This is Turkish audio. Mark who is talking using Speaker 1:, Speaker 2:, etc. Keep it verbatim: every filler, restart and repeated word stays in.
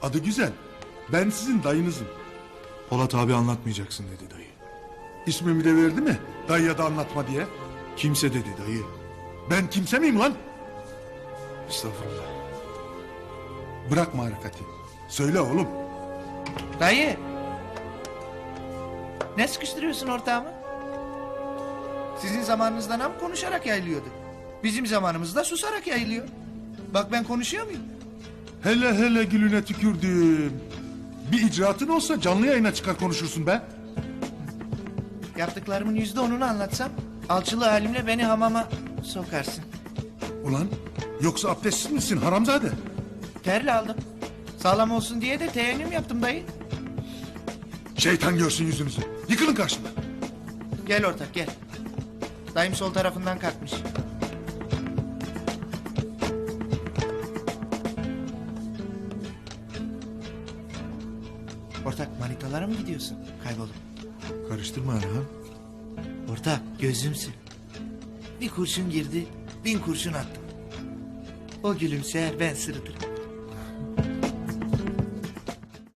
Speaker 1: Adı güzel. Ben sizin dayınızım.
Speaker 2: Polat abi anlatmayacaksın dedi dayı.
Speaker 1: İsmimi de verdi mi? Dayıya da anlatma diye.
Speaker 2: Kimse dedi dayı.
Speaker 1: Ben kimse miyim lan?
Speaker 2: Estağfurullah.
Speaker 1: Bırakma harekati. Söyle oğlum.
Speaker 3: Dayı. Ne sıkıştırıyorsun ortağımı? Sizin zamanınızda nam konuşarak yayılıyordu. Bizim zamanımızda susarak yayılıyor. Bak ben konuşuyor muyum?
Speaker 1: Hele hele gülüne tükürdüm. Bir icraatın olsa canlı yayına çıkar konuşursun be.
Speaker 3: Yaptıklarımın yüzde onunu anlatsam... ...alçılı halimle beni hamama sokarsın.
Speaker 1: Ulan yoksa abdestsiz misin haramzade?
Speaker 3: Terle aldım. Sağlam olsun diye de teyemmüm yaptım dayı.
Speaker 1: Şeytan görsün yüzünüzü. Yıkılın karşımda.
Speaker 3: Gel ortak gel. Dayım sol tarafından kalkmış. Ortak manitalara mı gidiyorsun kaybolup?
Speaker 2: Karıştırma Erhan.
Speaker 3: Ortak gözümsün. Bir kurşun girdi bin kurşun attım. O gülümser ben sırıtırım.